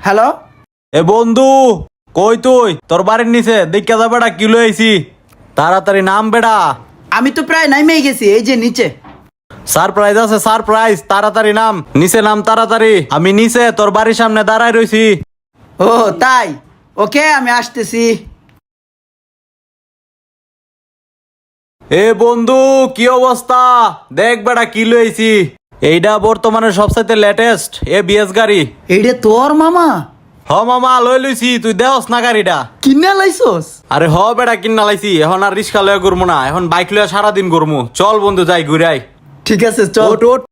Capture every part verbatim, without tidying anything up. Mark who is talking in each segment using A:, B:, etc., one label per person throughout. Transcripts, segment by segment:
A: Hello.
B: এ বন্ধু, কই তুই? তোর বাড়ির নিচে দেখা যাবে বেটা, কিলো আইছি। তাড়াতাড়ি নাম বেটা।
A: আমি তো প্রায় নাইমেই গেছি, এই যে নিচে।
B: সারপ্রাইজ আছে, সারপ্রাইজ। তাড়াতাড়ি নাম, নিচে নাম তাড়াতাড়ি। আমি নিচে তোর বাড়ির সামনে দাঁড়ায় রইছি।
A: ও তাই, ওকে আমি আসতেছি।
B: এ বন্ধু, কি অবস্থা? দেখ বেটা, কিলো আইছি। এইটা বর্তমানে সবচাইতে লেটেস্ট এ বিএস গাড়ি।
A: এইটা তোর মামা?
B: হ মামা, লই লইছি। তুই দেহস না গাড়িটা?
A: কিনে লাইছস?
B: আরে হ বেটা, কিনা লাইছি। এখন আর রিক্সা লয়ে ঘুরবো না, এখন বাইক লয়ে সারাদিন ঘুরবো। চল বন্ধু, যাই ঘুরাই।
A: ঠিক আছে চল।
B: ওঠ ওঠ।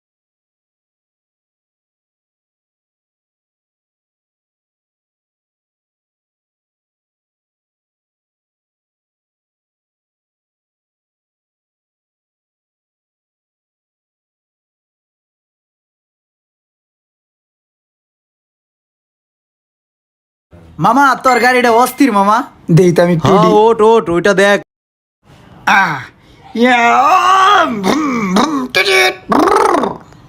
A: মামা তোর গাড়িটা অস্থির মামা, দেই তো আমি
B: হ্যাঁ,
A: টুডি।
B: ওঠ ওঠ, ওইটা দেখ।
A: আহ ইয়া, ভুম, ভুম, টিটিট, ব্রর।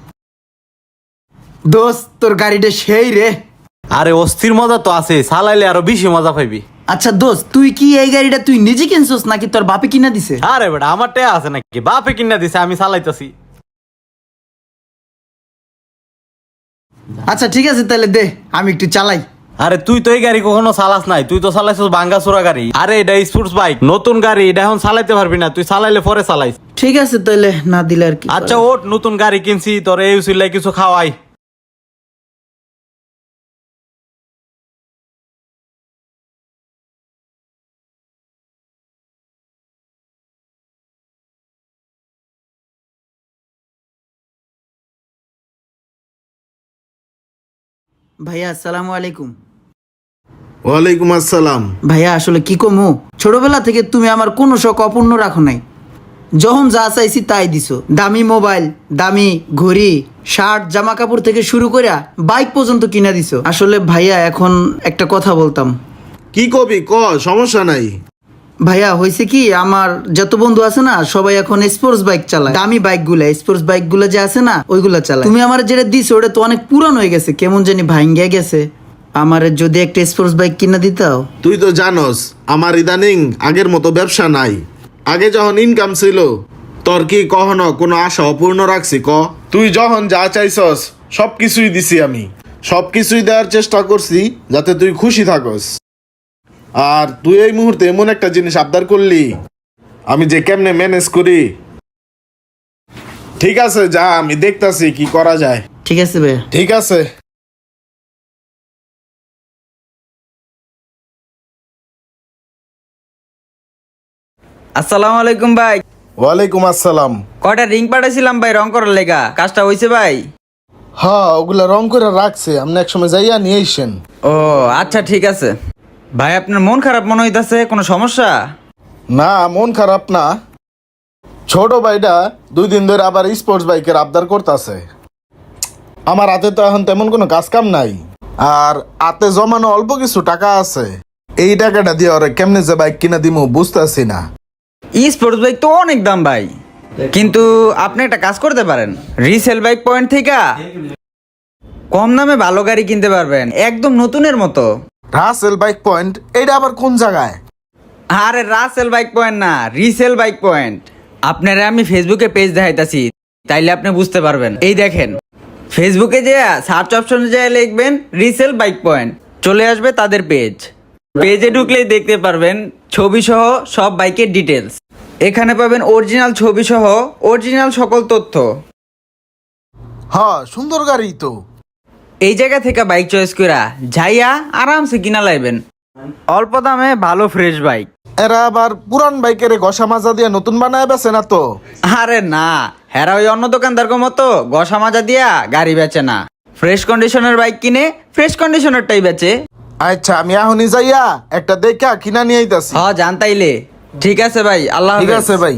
A: দোস্ত তোর গাড়িটা সেই রে।
B: আরে অস্থির মজা তো আছে, চালাইলে আরো বেশি মজা পাইবি।
A: আচ্ছা দোস্ত, তুই কি এই গাড়িটা তুই নিজে কিনছস নাকি তোর বাপে কিনা দিছে?
B: আরে বেটা, আমার টেয়া আছে নাকি? বাপে কিনা দিছে, আমি চালাইতেছি।
A: আচ্ছা ঠিক আছে, তাহলে দে আমি একটু চালাই।
B: আরে তুই তো এই গাড়ি কখনো চালাস নাই, তুই তো চালাইছিস ভাঙ্গা চোরা গাড়ি। আরে এটা স্পোর্টস বাইক, নতুন গাড়ি, এটা এখন চালাইতে পারবি না। তুই চালাইলে পরে চালাইস।
A: ঠিক আছে তাহলে, না দিলে আর কি
B: আচ্ছা
A: করার।
B: ওঠ, নতুন গাড়ি কিনছি, তোর এই উচিল্লাই কিছু খাওয়াই।
A: ভাইয়া আসসালামু আলাইকুম।
C: ওয়ালাইকুম আসসালাম।
A: ভাইয়া আসলে কি কমু, ছোটবেলা থেকে তুমি আমার কোনো শখ অপূর্ণ রাখো নাই। যখন যা চাইছি তাই দিছো, দামি মোবাইল, দামি ঘড়ি, শার্ট, জামা কাপড় থেকে শুরু করে বাইক পর্যন্ত কিনা দিছো। আসলে ভাইয়া এখন একটা কথা বলতাম।
C: কি কবি ক, সমস্যা নাই।
A: ভাইয়া হয়েছে কি, আমার যত বন্ধু আছে না সবাই এখন স্পোর্টস বাইক চালায়, দামি বাইক গুলা, স্পোর্টস বাইক গুলা যে আছে না ওইগুলা চালায়। তুমি আমার যেটা দিছো ওটা তো অনেক পুরান হয়ে গেছে, কেমন জানি ভাঙ্গিয়া গেছে। আমার যদি একটা স্পোর্টস বাইক কিনা দিতাও।
C: তুই তো জানোস আমার ইদানিং আগের মতো ব্যবসা নাই। আগে যখন ইনকাম ছিল, তোর কি কখনো কোনো আশা অপূর্ণ রাখছি ক? তুই যখন যা চাইছস সব কিছুই দিছি আমি। সব কিছুই দেওয়ার চেষ্টা করছি যাতে তুই খুশি থাকস। আর তুই এই মুহূর্তে এমন একটা জিনিস আবদার করলি, আমি যে কেমনে ম্যানেজ করি। ঠিক আছে যা, আমি দেখতাছি কি করা যায়।
A: ঠিক আছে ভাইয়া।
C: ঠিক আছে।
D: আসসালামু আলাইকুম ভাই।
C: ওয়ালাইকুম আসসালাম।
D: কয়টা রিং পাঠাইছিলাম ভাই রং করার লেগা, কাজটা হয়েছে ভাই?
C: হ্যাঁ, ওগুলা রং করে রাখছে, আপনি এক সময় যাইয়া নিয়ে আইসেন।
D: ও আচ্ছা ঠিক আছে। ভাই আপনার মন খারাপ মনে হইতাছে, কোনো সমস্যা?
C: না, মন খারাপ না। ছোট ভাইটা দুই দিন ধরে আবার স্পোর্টস বাইকের আবদার করতেছে। আমার হাতে তো এখন তেমন কোনো কাজ কাম নাই, আর হাতে জমানো অল্প কিছু টাকা আছে। এই টাকাটা দিয়ে ওরে কেমনে যে বাইক কিনা দিমু বুঝতেছি না।
D: ই স্পোর্টস বাইক তো অনেক দাম ভাই, কিন্তু আপনি একটা কাজ করতে পারেন, রিসেল বাইক পয়েন্ট থেকে কম দামে ভালো গাড়ি কিনতে পারবেন, একদম নতুনের মতো।
C: রাসেল বাইক পয়েন্ট, এইটা আবার কোন জায়গায়?
D: আরে রাসেল বাইক পয়েন্ট না, রিসেল বাইক পয়েন্ট। আপনারা আমি ফেসবুকে পেজ দেখাইতাছি, তাইলে আপনি বুঝতে পারবেন। এই দেখেন, ফেসবুকে যে সার্চ অপশনে যায় লিখবেন রিসেল বাইক পয়েন্ট, চলে আসবে তাদের পেজ। পেজে ঢুকলেই দেখতে পারবেন ছবি সহ সব বাইকের ডিটেলস। এখানে পাবেন অরিজিনাল ছবি সহ অরিজিনাল সকল তথ্য।
C: হ্যাঁ, সুন্দর গাড়ি তো।
D: এই জায়গা থেকে বাইক চয়েস করা যাইয়া আরামসে কিনা লাইবেন, অল্প দামে ভালো ফ্রেশ বাইক।
C: এরা আবার পুরান বাইকের ঘষা মাজা দিয়ে নতুন বানায় বেছে না তো?
D: আরে না, হেরা ওই অন্য দোকানদার মতো গসা মাজা দিয়া গাড়ি বেচে না, ফ্রেশ কন্ডিশনের বাইক কিনে ফ্রেশ কন্ডিশনারটাই বেচে।
C: আচ্ছা, আমি এখনই যাইয়া একটা দেখা কিনা নিয়ে আইতাছি।
D: হ জান তাইলে। ঠিক আছে ভাই, আল্লাহ
C: ঠিক
D: হাফেজ।
C: আছে ভাই।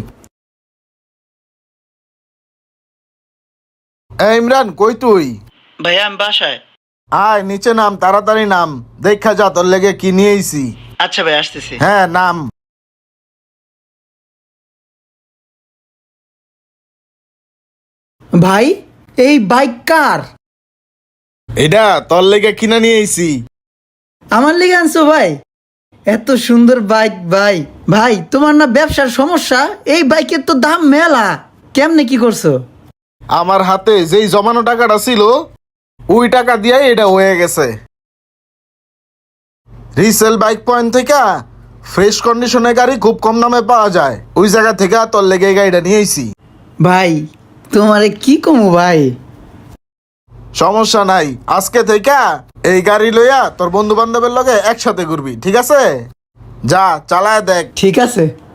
C: এই ইমরান, কই তুই?
A: ভাইয়া আমি বাসায়।
C: আয় নিচে নাম, তাড়াতাড়ি নাম। দেখা যা তোর লেগে কি নিয়ে আইছি।
A: আচ্ছা ভাই আসতেছি।
C: হ্যাঁ নাম।
A: ভাই এই বাইক কার?
C: এটা তোর লেগে কিনা নিয়ে আইছি।
A: আমার লিগে আনছো ভাই? এত সুন্দর বাইক ভাই। ভাই তোমার না ব্যবসার সমস্যা? এই বাইকের তো দাম মেলা, কেমনে কি করছো?
C: আমার হাতে যেই জমানো টাকাটা ছিল ওই টাকা দিয়ে এটা হয়ে গেছে। রিসেল বাইক পয়েন্ট থেকে ফ্রেশ কন্ডিশনের গাড়ি খুব কম দামে পাওয়া যায়, ওই জায়গা থেকে তোর লেগে এই গাড়িটা নিয়ে আইছি।
A: ভাই তোমারে কি কমু ভাই?
C: সমস্যা নাই, আজকে থেকে এই গাড়ি লইয়া তোর বন্ধু বান্ধবের লগে একসাথে ঘুরবি, ঠিক আছে? যা চালায় দেখ।
A: ঠিক আছে।